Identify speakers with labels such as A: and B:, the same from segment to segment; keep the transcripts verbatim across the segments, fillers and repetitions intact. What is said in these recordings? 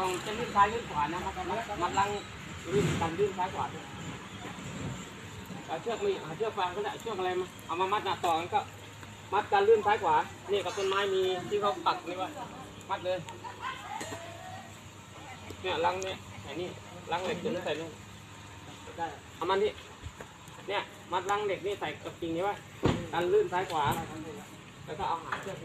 A: องจะลื่นซ้ายลื่นขวานะมันมันลังลื่นกันลื่นซ้ายขวาเอาเชือกมีหาเชือกฟางก็ได้เชือกอะไรมาเอามามัดหน้าต่อกันก็มัดกันลื่นซ้ายขวานี่กับต้นไม้มีที่เขาปักนี่ว่ามัดเลยเนี่ยลังเนี่ยไอ้นี่ลังเหล็กจะใส่นี่ได้เอามันที่เนี่ยมัดลังเหล็กนี่ใส่กับกิ่งนี้ว่ากันลื่นซ้ายขวาแล้วก็เอาหาเชือก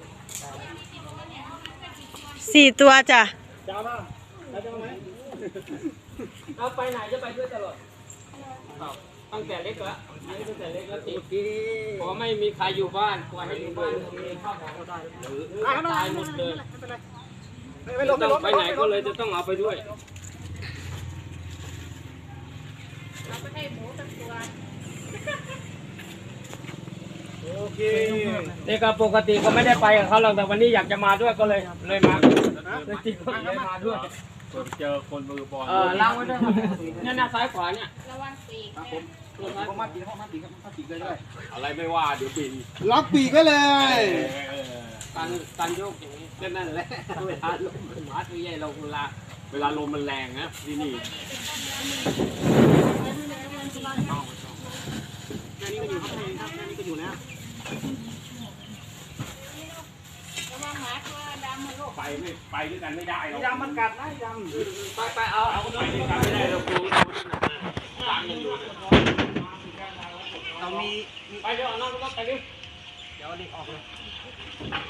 B: สี่ตัวจ้ะ
A: จะเอามาจะเอาไหมเอาไปไหนจะไปด้วยตลอดตั้งแต่เล็กแล้วตั้งแต่เล็กแล้วติดพอไม่มีใครอยู่บ้านปล่อยให้อยู่บ้านมีข้าวของก็ได้หรือตายหมดเลยต้องไปไหนก็เลยจะต้องเอาไปด้วย
C: เราไปให้หมูสักตัว
A: โอเคนี่ก็ปกติก็ไม่ได้ไปกับเขาหรอกแต่วันนี้อยากจะมาด้วยก็เลยเลยมาเลยจริงก็เลยมาด้วย
D: เจอคนมือบอล
A: เออล้างไว้ด้วยครับเนี่ยหน้าซ้ายขวาเนี่ย
C: ระวังปีก
A: ผมผมมาปีกมาปีกมาปีกเลยด้วย
D: อะไรไม่ว่าเดี๋ยวบิน
E: ล็อกปีกก็เลย
A: การการโยกอย่างนี้ก็นั่นแหละเวลาลมมันมาตัวใหญ่ลงเวลา
D: เวลาลมมันแรงนะที่นี่
A: แค่นี้ก็อยู่ครับแค่นี้ก็อยู่แล้ว
D: ไปไม่ไปด้วยกันไม่ได้หรอก
A: ยำมันกัดนะยำไปไปเอาเอาไปด้วยกันไม่ได้เราครูล้างกันอยู่เรามีไปเดี๋ยวเอาน้องก็ไปดิเดี๋ยวเด็กออกเลย